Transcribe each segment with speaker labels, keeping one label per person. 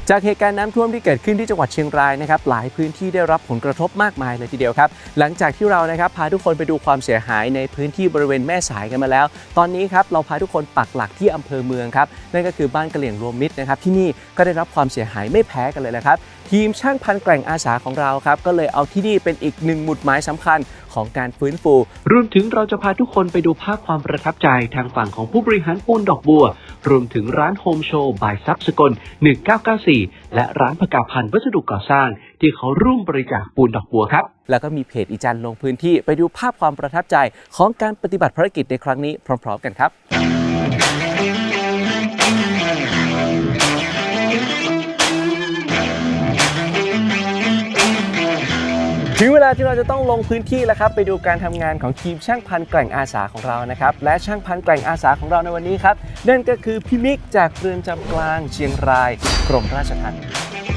Speaker 1: จากเหตุการณ์น้ำท่วมที่เกิดขึ้นที่จังหวัดเชียงรายนะครับหลายพื้นที่ได้รับผลกระทบมากมายเลยทีเดียวครับหลังจากที่เรานะครับพาทุกคนไปดูความเสียหายในพื้นที่บริเวณแม่สายกันมาแล้วตอนนี้ครับเราพาทุกคนปักหลักที่อำเภอเมืองครับนั่นก็คือบ้านกะเหลี่ยงรวมมิตรนะครับที่นี่ก็ได้รับความเสียหายไม่แพ้กันเลยนะครับทีมช่างพันแกร่งอาสาของเราครับก็เลยเอาที่นี่เป็นอีกหนึ่งหมุดหมายสำคัญของการฟื้นฟูรวมถึงเราจะพาทุกคนไปดูภาพความประทับใจทางฝั่งของผู้บริหารปูนดอกบัวรวมถึงร้านโฮมโชว์บายซับสกล1994และร้านพกาพันธ์วัสดุก่อสร้างที่เขาร่วมบริจาคปูนดอกบัวครับแล้วก็มีเพจอีจันลงพื้นที่ไปดูภาพความประทับใจของการปฏิบัติภารกิจในครั้งนี้พร้อมๆกันครับถึงเวลาที่เราจะต้องลงพื้นที่แล้วครับไปดูการทำงานของทีมช่างพันแกร่งอาสาของเรานะครับและช่างพันแกร่งอาสาของเราในวันนี้ครับนั่นก็คือพี่มิกจากเรือนจำกลางเชียงรายกรมราชทัณฑ์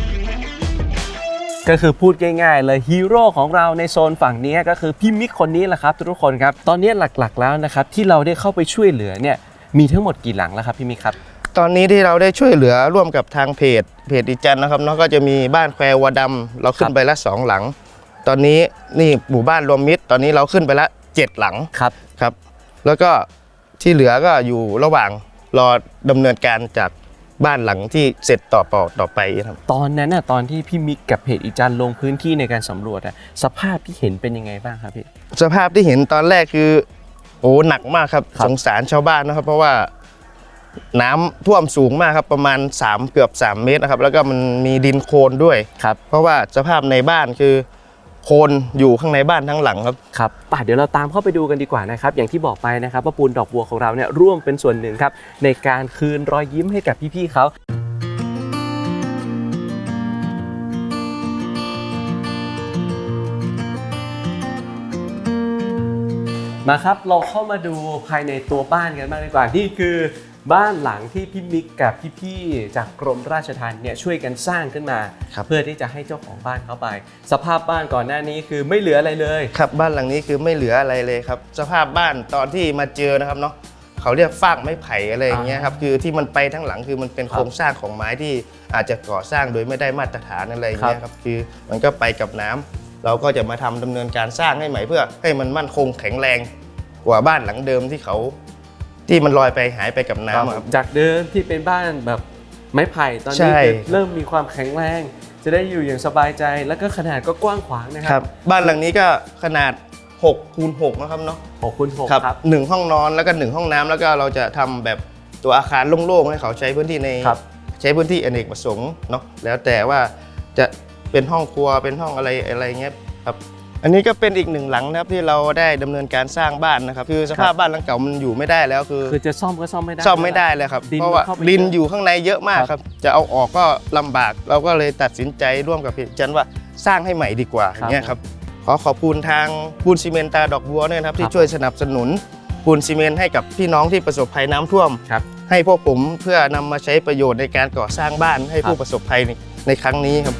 Speaker 1: ก็คือพูดง่ายๆเลยฮีโร่ของเราในโซนฝั่งนี้ก็คือพี่มิกคนนี้แหละครับทุกคนครับตอนนี้หลักๆแล้วนะครับที่เราได้เข้าไปช่วยเหลือเนี่ยมีทั้งหมดกี่หลังแล้วครับพี่มิกครับ
Speaker 2: ตอนนี้ที่เราได้ช่วยเหลือร่วมกับทางเพจอีจันนะครับเนาะก็จะมีบ้านแคววัวดำเราขึ้นไปละ2 หลังตอนนี้นี่หมู่บ้านรวมมิตรตอนนี้เราขึ้นไปละ7 หลังครับแล้วก็ที่เหลือก็อยู่ระหว่างรอดำเนินการจากบ้านหลังที่เสร็จต่อไปครับ
Speaker 1: ตอนนั้นตอนที่พี่มิกกับเพจอีจันลงพื้นที่ในการสำรวจสภาพที่เห็นเป็นยังไงบ้างครับพี่
Speaker 2: สภาพที่เห็นตอนแรกคือโอ้หนักมากครับสงสารชาวบ้านนะครับเพราะว่าน้ำท่วมสูงมากครับประมาณเกือบ3 เมตรนะครับแล้วก็มันมีดินโคลนด้วย
Speaker 1: ครับ
Speaker 2: เพราะว่าสภาพในบ้านคือโคลนอยู่ข้างในบ้านทั้งหลังครับ
Speaker 1: เดี๋ยวเราตามเข้าไปดูกันดีกว่านะครับอย่างที่บอกไปนะครับว่าปูนดอกบัวของเราเนี่ยร่วมเป็นส่วนหนึ่งครับในการคืนรอยยิ้มให้กับพี่ๆเขามาครับเราเข้ามาดูภายในตัวบ้านกันบ้างดีกว่านี่คือบ้านหลังที่พี่มิกกับพี่ๆจากกรมราชทัณฑ์เนี่ยช่วยกันสร้างขึ้นมาเพื่อที่จะให้เจ้าของบ้านเข้าไปสภาพบ้านก่อนหน้านี้คือไม่เหลืออะไรเลย
Speaker 2: ครับบ้านหลังนี้คือไม่เหลืออะไรเลยครับสภาพบ้านตอนที่มาเจอนะครับเนาะเขาเรียกฟากไม้ไผ่อะไรอย่างเงี้ยครับคือที่มันไปทั้งหลังคือมันเป็นโครงสร้างของไม้ที่อาจจะก่อสร้างโดยไม่ได้มาตรฐานอะไรอย่างเงี้ยครับคือมันก็ไปกับน้ำเราก็จะมาดำเนินการสร้างให้ใหม่เพื่อให้มันมั่นคงแข็งแรงกว่าบ้านหลังเดิมที่มันลอยไปหายไปกับน้ำครับ
Speaker 1: จากเดิมที่เป็นบ้านแบบไม้ไผ่ตอนนี้เริ่มมีความแข็งแรงจะได้อยู่อย่างสบายใจแล้วก็ขนาดก็กว้างขวางนะครับ
Speaker 2: บ้านหลังนี้ก็ขนาด6x6นะครับเนาะ
Speaker 1: 6x6ครับ
Speaker 2: 1 ห้องนอนแล้วก็1 ห้องน้ำแล้วก็เราจะทำแบบตัวอาคารโล่งๆให้เขาใช้พื้นที่ใช้พื้นที่อเนกประสงค์เนาะแล้วแต่ว่าจะเป็นห้องครัวเป็นห้องอะไรเงี้ยครับอันนี้ก็เป็นอีก1 หลังนะครับที่เราได้ดำเนินการสร้างบ้านนะครับคือสภาพบ้านหลังเก่ามันอยู่ไม่ได้แล้ว
Speaker 1: คือจะซ่อมก็ซ่อมไม่
Speaker 2: ได้เลยครับเพราะว่าดินอยู่ข้างในเยอะมากครับจะเอาออกก็ลำบากเราก็เลยตัดสินใจร่วมกับพี่จันว่าสร้างให้ใหม่ดีกว่าอย่างเงี้ยครับขอบคุณทางปูนซีเมนต์ตาดอกบัวด้วยนะครับที่ช่วยสนับสนุนปูนซีเมนต์ให้กับพี่น้องที่ประสบภัยน้ำท่วมให้พวกผมเพื่อนำมาใช้ประโยชน์ในการก่อสร้างบ้านให้ผู้ประสบภัยในครั้งนี้ครับ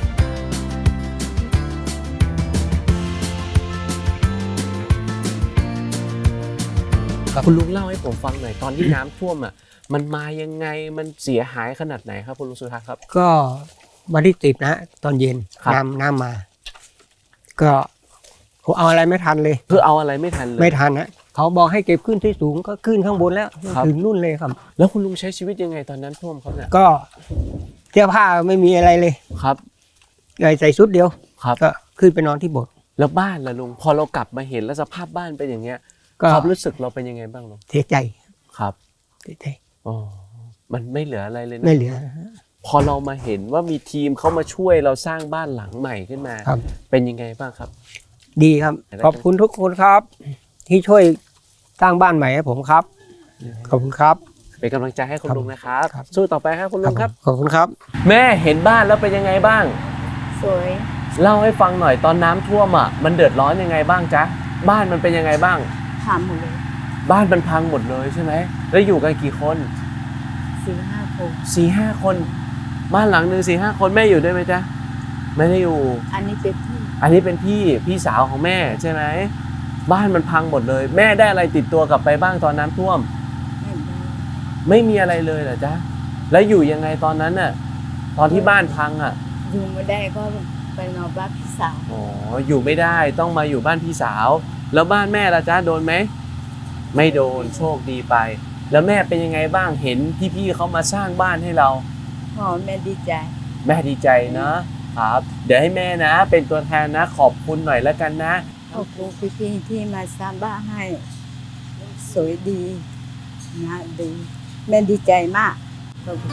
Speaker 1: คุณลุงเล่าให้ผมฟังหน่อยตอนที่น้ำท่วมมันมายังไงมันเสียหายขนาดไหนครับคุณลุงสุทัศน์ครับ
Speaker 3: ก็วันที่10นะตอนเย็นน้ำมาก็ผมเอาอะไรไม่ทันเลย
Speaker 1: คือเอาอะไรไม่ทันเลย
Speaker 3: ไม่ทันนะเขาบอกให้เก็บขึ้นที่สูงก็ขึ้นข้างบนแล้วถึงนู่นเลยครับ
Speaker 1: แล้วคุณลุงใช้ชีวิตยังไงตอนนั้นท่วมเขาเนี่ย
Speaker 3: ก็เสื้อผ้าไม่มีอะไรเลย
Speaker 1: ครับ
Speaker 3: ใส่ชุดเดียว
Speaker 1: ครับ
Speaker 3: ก็ขึ้นไปนอนที่โบสถ์
Speaker 1: แล้วบ้านล่ะลุงพอเรากลับมาเห็นแล้วสภาพบ้านเป็นอย่างเงี้ยความรู้สึกเราเป็นยังไงบ้างลุง
Speaker 3: เสียใจ
Speaker 1: ครับ
Speaker 3: เสียใจ
Speaker 1: มันไม่เหลืออะไรเลย
Speaker 3: ไม่เหลือ
Speaker 1: พอเรามาเห็นว่ามีทีมเข้ามาช่วยเราสร้างบ้านหลังใหม่ขึ้นมาเป็นยังไงบ้างครับ
Speaker 3: ดีครับขอบคุณทุกคนครับที่ช่วยสร้างบ้านใหม่ให้ผมครับขอบคุณครับ
Speaker 1: เป็นกำลังใจให้คุณลุงนะครับสู้ต่อไปครับคุณลุงครับ
Speaker 3: ขอบคุณครับ
Speaker 1: แม่เห็นบ้านแล้วเป็นยังไงบ้าง
Speaker 4: สวย
Speaker 1: เล่าให้ฟังหน่อยตอนน้ำท่วมมันเดือดร้อนยังไงบ้างจ๊ะบ้านมันเป็นยังไงบ้าง
Speaker 4: พังหมดเลย
Speaker 1: บ้านมันพังหมดเลยใช่ไหมแล้วอยู่กันกี่คน
Speaker 4: 4-5 คน
Speaker 1: 4-5 คนบ้านหลังนึง4-5 คนแม่อยู่ด้วยไหมจ๊ะไม่ได้อยู่
Speaker 4: อันนี้เป็น
Speaker 1: พี่สาวของแม่ใช่ไหมบ้านมันพังหมดเลยแม่ได้อะไรติดตัวกลับไปบ้างตอนน้ำท่วมไม่มีอะไรเลยเหรอจ๊ะแล้วอยู่ยังไงตอนนั้นน่ะตอนที่บ้านพังอ่ะ
Speaker 4: อยู่ไม่ได้ก็ไปนอนบ้านพี่สาว
Speaker 1: อ๋ออยู่ไม่ได้ต้องมาอยู่บ้านพี่สาว แล้วบ้านแม่ล่ะจ๊ะโดนไหมไม่โดนโชคดีไป แล้วแม่เป็นยังไงบ้างเห็นพี่ๆเขามาสร้างบ้านให้เรา
Speaker 4: พ่อแม่ดีใจ
Speaker 1: แม่ดีใจนะครับ เดี๋ยวให้แม่นะ เป็นตัวแทนนะขอบคุณหน่อยแล้วกันนะ
Speaker 4: ขอบคุณพี่ๆที่มาสร้างบ้านให้ สวยดีนะดีแม่ดีใจมากขอบคุณ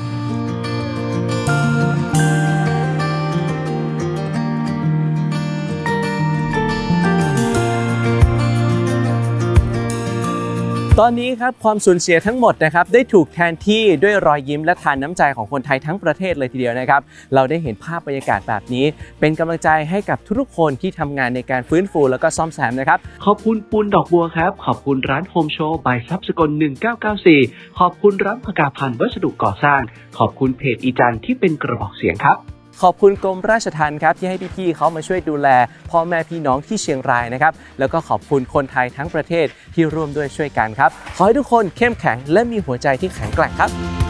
Speaker 1: ตอนนี้ครับความสูญเสียทั้งหมดนะครับได้ถูกแทนที่ด้วยรอยยิ้มและทานน้ำใจของคนไทยทั้งประเทศเลยทีเดียวนะครับเราได้เห็นภาพบรรยากาศแบบนี้เป็นกำลังใจให้กับทุกๆคนที่ทำงานในการฟื้นฟูแล้วก็ซ่อมแซมนะครับขอบคุณปูนดอกบัวครับขอบคุณร้านโฮมโชว์บายทรัพย์สกล1994ขอบคุณร้านพกาพันธ์วัสดุก่อสร้างขอบคุณเพจอีจันที่เป็นกระบอกเสียงครับขอบคุณกรมราชทัณฑ์ครับที่ให้พี่ๆเขามาช่วยดูแลพ่อแม่พี่น้องที่เชียงรายนะครับแล้วก็ขอบคุณคนไทยทั้งประเทศที่ร่วมด้วยช่วยกันครับขอให้ทุกคนเข้มแข็งและมีหัวใจที่แข็งแกร่งครับ